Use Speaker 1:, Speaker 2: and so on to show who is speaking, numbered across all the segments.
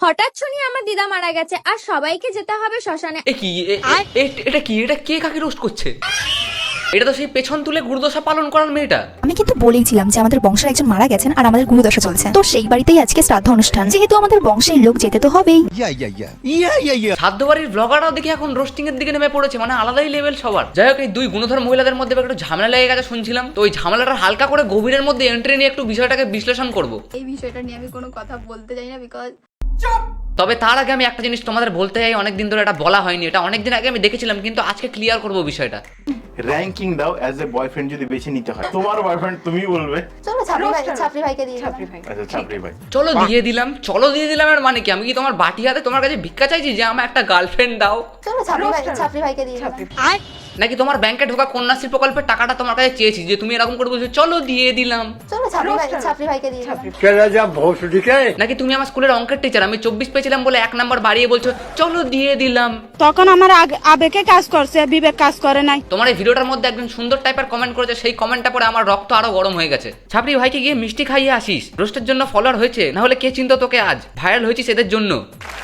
Speaker 1: হঠাৎ শুনি আমার দিদা মারা গেছে আর সবাইকে যেতে হবে শ্মশানে।
Speaker 2: এটা কি? এটা কে কাকে রোস্ট করছে? এটা তো সেই পেছন তুলে গুরুদশা পালন করার মেয়েটা।
Speaker 3: আমি কিন্তু বলেইছিলাম যে আমাদের বংশের একজন মারা গেছেন আর আমাদের গুরুদশা চলছে, তো সেই বাড়িতেই আজকে শ্রাদ্ধ অনুষ্ঠান, যেহেতু আমাদের বংশের লোক যেতে তো হবেই।
Speaker 2: সাধ্য বাড়ির ব্লগাররাও দেখি এখন রোস্টিং এর দিকে নেমে পড়েছে, মানে আলাদাই লেভেল সবার। যাই হোক, এই দুই গুণধর মহিলাদের মধ্যে একটু ঝামেলা লেগে গেছে শুনছিলাম, তো ওই ঝামেলাটা হালকা করে গভীরের মধ্যে এন্ট্রি নিয়ে একটু বিষয়টাকে বিশ্লেষণ করব।
Speaker 4: এই বিষয়টা নিয়ে আমি কোনো কথা বলতে চাই না, বিকজ
Speaker 2: তবে তার আগে আমি একটা জিনিস তোমাদের বলতে চাই, অনেকদিন ধরে এটা বলা হয়নি, এটা অনেকদিন আগে আমি দেখেছিলাম, কিন্তু আজকে ক্লিয়ার করব বিষয়টা।
Speaker 5: র‍্যাঙ্কিং দাও অ্যাজ এ বয়ফ্রেন্ড যদি বেছে নিতে হয়, তোমার বয়ফ্রেন্ড তুমি বলবে।
Speaker 4: চলো ছাপরি ভাইকে দিয়ে
Speaker 5: আচ্ছা ছাপরি ভাই,
Speaker 2: চলো দিয়ে দিলাম এর মানে কি? আমি কি তোমার বাটি হাতে তোমার কাছে ভিক্ষা চাইছি যে আমার একটা গার্লফ্রেন্ড দাও?
Speaker 4: চলো ছাপরি ভাইকে দিয়ে
Speaker 2: নাকি তোমার ব্যাংকে ঢোকা কন্যাশ্রী প্রকল্পের টাকাটা তোমার কাছে চেয়েছি যে তুমি এরকম করে বলছো চলো দিয়ে দিলাম?
Speaker 4: চলো ছাপরি ভাইকে দিয়ে
Speaker 2: নাকি তুমি আমার স্কুলের অঙ্কের টিচার, আমি 24 পেয়েছিলাম বলে 1 নাম্বার বাড়িয়ে বলছো চলো দিয়ে দিলাম?
Speaker 6: তখন আমার আবেগে কাজ করছে, বিবেক কাজ করে নাই।
Speaker 2: তোমার এই ভিডিওটার মধ্যে একজন সুন্দর টাইপের কমেন্ট করেছে, সেই কমেন্টটা পরে আমার রক্ত আরো গরম হয়ে গেছে। ছাপরি ভাইকে গিয়ে মিষ্টি খাইয়ে আসিস, রোস্টের জন্য ফলোয়ার হয়েছে, না হলে কে চিন্তা তোকে? আজ ভাইরাল হয়েছিস এদের জন্য।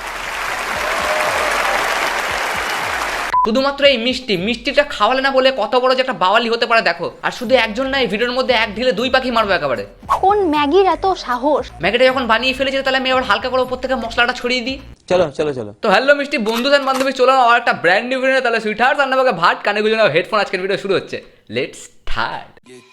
Speaker 2: শুধুমাত্র এই মিষ্টিটা খাওয়ালে না বলে কত বড় যে একটা বাওয়ালি হতে পারে দেখো। আর শুধু একজন না, এই ভিডিওর মধ্যে এক ঢিলে 2 পাখি মারবো একেবারে।
Speaker 4: কোন ম্যাগির এত সাহস?
Speaker 2: ম্যাগিটা যখন বানিয়ে ফেলেছে তাহলে আমি আবার হালকা করে উপর থেকে মশলাটা ছড়িয়ে দিই।
Speaker 7: চলো
Speaker 2: তো হ্যালো মিষ্টি বন্ধু আর বান্ধবী, চলো আর একটা ব্র্যান্ড নিউ ভিডিও। তাহলে সুইটহার্ট রান্নাবাগে ভাত কানে গুঁজে নাও হেডফোন, আজকের ভিডিও শুরু হচ্ছে। Let's start.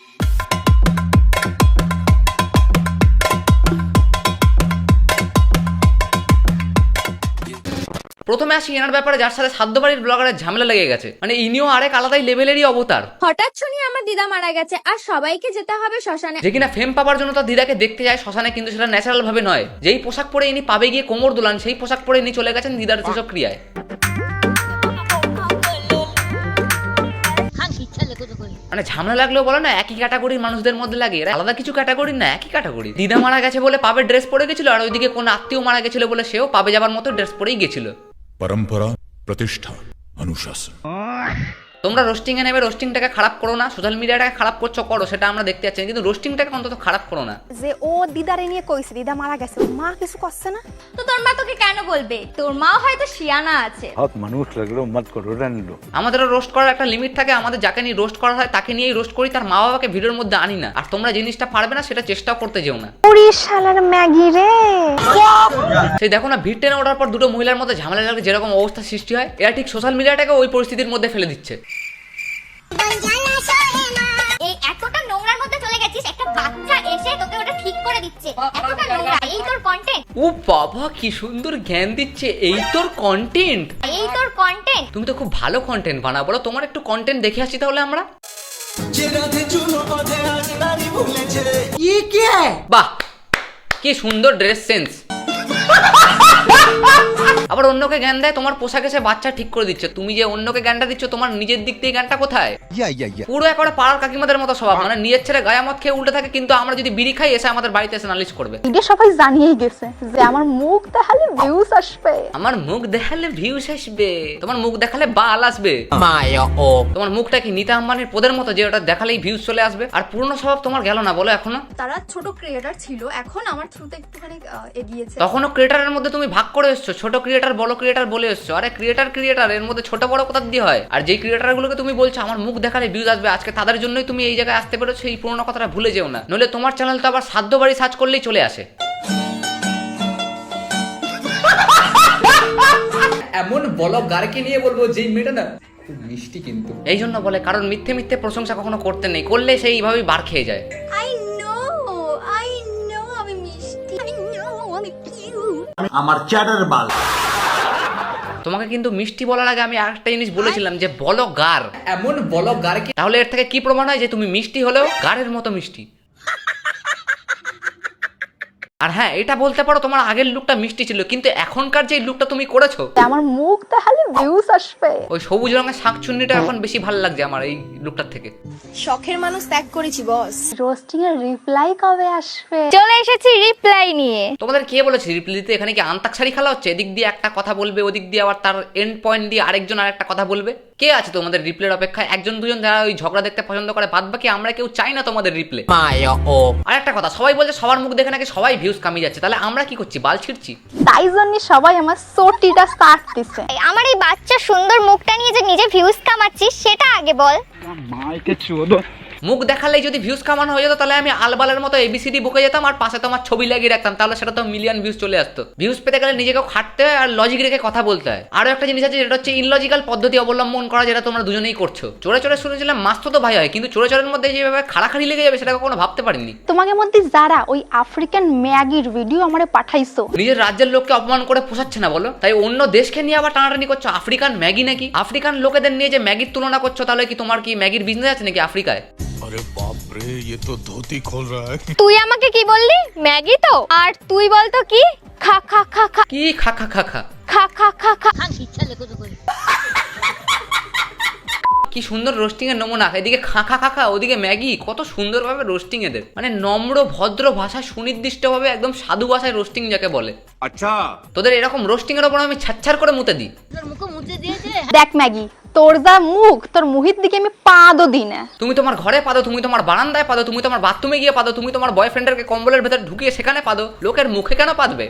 Speaker 2: প্রথমে আসি এনার ব্যাপারে, যার সাথে সাধ্য বাড়ির ব্লগারের ঝামেলা লেগে গেছে, মানে ইনিও আরেক আলাদাই লেভেলেরই অবতার।
Speaker 1: হঠাৎ শুনি আমার দিদা মারা গেছে আর সবাইকে যেতে হবে শ্মশানে।
Speaker 2: যে কিনা ফেম পাবার জন্য তার দিদাকে দেখতে যায় শ্মশানে, কিন্তু সেটা ন্যাচারাল ভাবে নয়। যেই পোশাক পরে ইনি পাবে গিয়ে কোমর দোলান, সেই পোশাক পরে ইনি চলে গেছেন দিদার যেসব ক্রিয়ায়। মানে ঝামেলা লাগলেও বলো না, একই ক্যাটাগরির মানুষদের মধ্যে লাগে, এরা আলাদা কিছু ক্যাটাগরি না, একই ক্যাটাগরি। দিদা মারা গেছে বলে পাবে ড্রেস পরে গেছিল, আর ওইদিকে কোন আত্মীয় মারা গেছিল বলে সেও পাবে যাবার মতো ড্রেস পরেই গেছিল।
Speaker 8: परंपरा प्रतिष्ठा अनुशासन।
Speaker 2: তোমরা রোস্টিং এ নেবে, রোস্টিংটাকে খারাপ করো না, সোশ্যাল মিডিয়াটাকে খারাপ করছো করো, সেটা আমরা দেখতে যাচ্ছি, কিন্তু রোস্টিংটাকে অন্তত খারাপ করো না।
Speaker 4: যে ও দিদারে নিয়ে কইছে দিদা মারা গেছে, মা কিছু করছে না।
Speaker 1: তো তোর মা তোকে কেন বলবে? তোর মাও হয়তো শিয়ানা আছে।
Speaker 7: মানুষ লাগলো মত করো রান্ডো।
Speaker 2: আমাদেরও রোস্ট করার একটা লিমিট থাকে, আমাদের যাকে নিয়ে রোস্ট করা হয় তাকে নিয়েই রোস্ট করি, তার মা বাবাকে ভিডিওর মধ্যে আনি না। আর তোমরা জিনিসটা পারবে না সেটা চেষ্টাও করতে যেও না।
Speaker 4: ওরে শালার ম্যাগি রে।
Speaker 2: সেই দেখো না, ভিড় টেনে ওঠার পর দুটো মহিলার মধ্যে ঝামেলা লাগলে যেরকম অবস্থা সৃষ্টি হয়, এরা ঠিক সোশ্যাল মিডিয়াটাকে ওই পরিস্থিতির মধ্যে ফেলে দিচ্ছে।
Speaker 1: এই এতটা নোংরার মধ্যে চলে গেছিস, একটা বাচ্চা এসে তোকে ওটা ঠিক করে দিচ্ছে। এতটা নোংরা, এই তোর কন্টেন্ট?
Speaker 2: ও বাবা কি সুন্দর জ্ঞান দিচ্ছে, এই তোর কন্টেন্ট?
Speaker 1: এই তোর কন্টেন্ট?
Speaker 2: তুমি তো খুব ভালো কন্টেন্ট বানাও, বলো তোমার একটু কন্টেন্ট দেখে আসি তাহলে আমরা। বাহ কি সুন্দর ড্রেস সেন্স। আবার অন্যকে জ্ঞান দেয়, তোমার পোশাক এসে বাচ্চা ঠিক করে দিচ্ছে। তুমি যে অন্যকে জ্ঞানটা দিচ্ছ, তোমার নিজের দিক থেকে জ্ঞানটা কোথায়? পুরো একবারে পাড়ার কাকিমাদের মতো স্বভাব, মানে নিজের ছেলে গায়ে মদ খেয়ে উল্টে থাকে, কিন্তু আমরা যদি বিড়ি খাই এসে আমাদের বাড়িতে এসে নালিশ করবে।
Speaker 4: এটা সবাই জানিয়েই গেছে যে আমার মুখ দেখালে ভিউজ আসবে।
Speaker 2: আমার মুখ দেখালে ভিউস আসবে, তোমার মুখ দেখালে বাল আসবে। তোমার মুখটা কি নিতা আম্বানির পদের মতো যে ওটা দেখালেই ভিউজ চলে আসবে? আর পুরনো স্বভাব তোমার গেল না বলো এখনো?
Speaker 4: তারা ছোট ক্রিয়েটর ছিল, এখন আমার থ্রুতে একটুখানি এগিয়েছে।
Speaker 2: তখনও ক্রিয়েটারের মধ্যে তুমি ভাগ করে এসছো, ছোট ক্রিয়েটার বড় ক্রিয়েটার বলে এসছো। আরে ক্রিয়েটার এর মধ্যে ছোট বড় কোথা দিয়ে হয়? আর যেই ক্রিয়েটারগুলোকে তুমি বলছো আমার মুখ দেখালে ভিউজ আসবে, আজকে তাদের জন্যই তুমি এই জায়গায় আসতে পেরেছো। এই পুরোনো কথাটা ভুলে যেও না, নইলে তোমার চ্যানেল তো আবার সাধ্য বাড়ি সার্চ করলেই চলে আসে। এমন ব্লগারকে নিয়ে বলবো যেই মেয়েটা না খুব মিষ্টি, কিন্তু এই জন্য বলে কারণ মিথ্যে মিথ্যে প্রশংসা কখনো করতে নেই, করলে সেই এইভাবেই বার খেয়ে যায়।
Speaker 4: আই নো আমি মিষ্টি, আই নো আমি কিউট।
Speaker 5: আমার চ্যাটার বাল।
Speaker 2: তোমাকে কিন্তু মিষ্টি বলার আগে আমি আরেকটা জিনিস বলেছিলাম যে বলো গার, এমন বলো গারকে। তাহলে এর থেকে কি প্রমাণ হয় যে তুমি মিষ্টি হলেও গারের মতো মিষ্টি? আর হ্যাঁ, এটা বলতে পারো তোমার আগের লুকটা মিষ্টি ছিল, কিন্তু এখনকার যে লুকটা তুমি করেছো,
Speaker 4: আমার মুখ দেখালে ভিউজ আসবে।
Speaker 2: ওই সবুজ রঙের শাকচুন্নিটা এখন বেশি ভালো লাগছে আমার এই লুকটার থেকে।
Speaker 4: শখের মানুষ ত্যাগ করেছি বস। রোস্টিং এর রিপ্লাই কবে আসবে?
Speaker 1: চলে এসেছি রিপ্লাই নিয়ে।
Speaker 2: তোমাদের কে বলেছে রিপ্লাই দিতে? এখানে কি আন্তাক্ষরী খেলা হচ্ছে? এদিক দিয়ে একটা কথা বলবে, ওদিক দিয়ে আবার তার এন্ড পয়েন্ট দিয়ে আরেকজন আরেকটা কথা বলবে। কে আছে তোমাদের রিপ্লের অপেক্ষায়? একজন দুজন যারা ওই ঝগড়া দেখতে পছন্দ করে, বাদ বাকি আমরা কেউ চাই না তোমাদের রিপ্লে। আর একটা কথা, সবাই বলছে সবার মুখ দেখে নাকি সবাই ভিউজ কামিয়ে যাচ্ছে, তাহলে আমরা কি করছি? বাল ছিড়ছি?
Speaker 4: তাই জন্য সবাই আমার সোটিটা স্টার্ট দিছে।
Speaker 1: আমার এই বাচ্চা সুন্দর মুখটা নিয়ে যে নিজে ভিউজ কামাচ্ছিস সেটা আগে বল।
Speaker 2: মুখ দেখালেই যদি ভিউজ কামানো হয়ে যেত, তাহলে আমি আলবালের মতো এবিসিডি বুকে যেতাম আর পাশে তোমার ছবি লাগিয়ে রাখতাম, তাহলে সেটা তো মিলিয়ন ভিউজ চলে আসতো। ভিউজ পেতে গেলে নিজেকে খাটতে হয় আর লজিক রেখে কথা বলতে হয়। আরো একটা জিনিস আছে, যেটা হচ্ছে ইনলজিক্যাল পদ্ধতি অবলম্বন করা, যেটা তোমরা দুজনেই করছো। চোরে চোরে শুনেছিলাম মাস্তো তো ভাই হয়, কিন্তু চোরে চোরের মধ্যে যেভাবে খাড়াখাড়ি লেগে যাবে সেটা কখনো ভাবতে পারিনি।
Speaker 4: তোমাদের মধ্যে যারা ওই আফ্রিকান ম্যাগির ভিডিও আমারে পাঠাইছো,
Speaker 2: নিজের রাজ্যের লোককে অপমান করে পোষাচ্ছে না বলো, তাই অন্য দেশকে নিয়ে আবার টানাটানি করছো। আফ্রিকান ম্যাগি নাকি? আফ্রিকান লোকেদের নিয়ে যে ম্যাগির তুলনা করছো, তাহলে কি তোমার কি ম্যাগির বিজনেস আছে নাকি আফ্রিকায়?
Speaker 8: अरे बाप रे, ये तो धोती खोल रहा है।
Speaker 1: তুই আমাকে কি বললি? ম্যাগি তো। আর তুই বলতো কি? খা খা খা খা
Speaker 2: কি খা খা খা খা
Speaker 1: খা খা খা খা।
Speaker 2: কি সুন্দর রোস্টিং এর নমুনা। এদিকে খাঁখা খাখা, ওদিকে ম্যাগি। কত সুন্দরভাবে রোস্টিং এদের, মানে নম্র ভদ্র ভাষায় সুনির্দিষ্টভাবে একদম সাধু ভাষায় রোস্টিং যাকে বলে। আচ্ছা, তোদের এরকম রোস্টিং এর উপর আমি ছাচ্ছার করে মুতে দিই।
Speaker 4: দেখ ম্যাগি, তোর যা মুখ, তোর মুহির দিকে আমি পাদও দিই না।
Speaker 2: তুমি তোমার ঘরে পাদো, তুমি তোমার বারান্দায় পাদো, তুমি তোমার বাথরুমে গিয়ে পাদো, তুমি তোমার বয়ফ্রেন্ডেরকে কম্বলের ভেতর ঢুকিয়ে সেখানে পাদো, লোকের মুখে কেন পাদবে?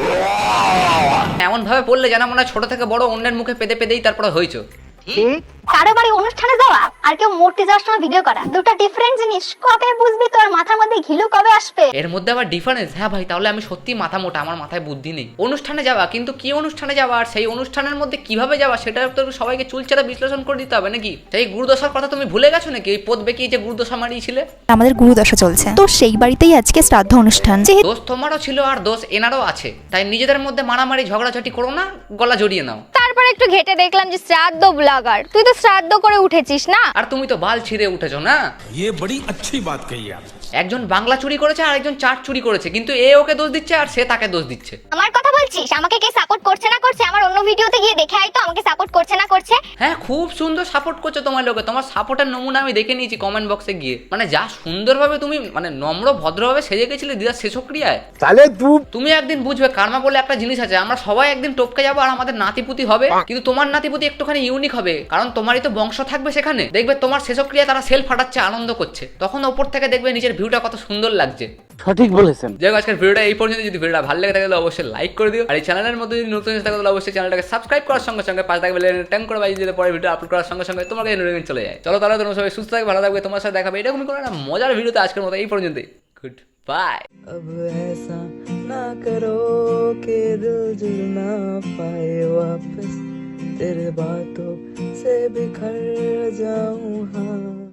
Speaker 2: এমন ভাবে পড়লে যেন মনে হয় ছোট থেকে বড় অন্যের মুখে পেদে পেদেই তারপরে হয়েছো।
Speaker 1: কারো বাড়ি অনুষ্ঠানে যাওয়া আর কেউ মূর্তি যাওয়ার সময় ভিডিও করা, দুটো ডিফারেন্ট জিনিস। কবে বুঝবি তোর মাথার মধ্যে ঘিলু কবে আসবে?
Speaker 2: এর মধ্যে আবার ডিফারেন্স? হ্যাঁ ভাই, তাহলে আমি সত্যি মাথা মোটা, আমার মাথায় বুদ্ধি নেই। অনুষ্ঠানে যাওয়া, কিন্তু কি অনুষ্ঠানে যাওয়া আর সেই অনুষ্ঠানের মধ্যে কিভাবে যাওয়া সেটা তো সবাইকে চুলচারা বিশ্লেষণ করে দিতে হবে নাকি? সেই গুরুদশার কথা তুমি ভুলে গেছো নাকি? ওই পদ বেঁকিয়ে যে গুরুদশা মারিয়েছিলে।
Speaker 3: আমাদের গুরুদশা চলছে, তো সেই বাড়িতেই আজকে শ্রাদ্ধ অনুষ্ঠান। যেহেতু
Speaker 2: দোষ তোমারও ছিল আর দোষ এনারও আছে, তাই নিজেদের মধ্যে মারামারি ঝগড়াঝাটি করো না, গলা জড়িয়ে নাও।
Speaker 1: তারপর একটু ঘেটে দেখলাম যে শ্রাদ্ধ ব্লগার, তুই তো শ্রাদ্ধ করে উঠেছিস না?
Speaker 2: আর তুমি তো বাল ছিঁড়ে উঠেছো না।
Speaker 8: ये बड़ी अच्छी बात कही आप।
Speaker 2: একজন বাংলা চুরি করেছে আর একজন চাট চুরি করেছে, কিন্তু এ ওকে দোষ দিচ্ছে আর সে তাকে দোষ দিচ্ছে।
Speaker 1: আমার কথা বলছিস? আমাকে কে সাপোর্ট করছে না করছে আমার অন্য ভিডিওতে গিয়ে দেখে আয় তো, আমাকে সাপোর্ট করছে না করছে।
Speaker 2: হ্যাঁ, খুব সুন্দর সাপোর্ট করছো তোমার লোকে। তোমার সাপোর্টের নমুনা আমি দেখে নিয়েছি কমেন্ট বক্সে গিয়ে। মানে যা সুন্দরভাবে তুমি মানে নম্র ভদ্রভাবে সেজে গেছিলে দিদার শেষক্রিয়ায়। তাহলে তুমি একদিন বুঝবে কার্মা বলে একটা জিনিস আছে। আমরা সবাই একদিন টপকে যাবো আর আমাদের নাতিপুতি হবে, কিন্তু তোমার নাতিপুতি একটুখানি ইউনিক হবে, কারণ তোমারই তো বংশ থাকবে সেখানে। দেখবে তোমার শেষক্রিয়া তারা সেল ফাটাচ্ছে, আনন্দ করছে, তখন ওপর থেকে দেখবে নিজের ভিউটা কত সুন্দর লাগছে।
Speaker 9: সঠিক বলেছেন।
Speaker 2: যাই হোক, আজকের ভিডিওটা এই পর্যন্ত। যদি ভিডিওটা ভালো লেগে থাকে তাহলে অবশ্যই লাইক করে দিও, আর এই চ্যানেলের মধ্যে যদি নতুন এসে থাকে তাহলে অবশ্যই চ্যানেলটাকে সাবস্ক্রাইব করার সঙ্গে সঙ্গে পাশে থাকবে ট্যাং করে বাজিয়ে দিলে পরে ভিডিও আপলোড করার সঙ্গে সঙ্গে তোমার কাছে নোটিফিকেশন চলে যায়। চলো তাহলে তোমরা সবাই সুস্থ থাকবে, ভালো থাকবে, তোমার সাথে দেখাবে এরকমই কোনো একটা মজার ভিডিওতে। আজকের মতো এই পর্যন্তই। Good bye.
Speaker 10: अब ऐसा ना करो कि दिल जुड़ ना पाए वापस, तेरे बातों से बिखर जाऊं। हाँ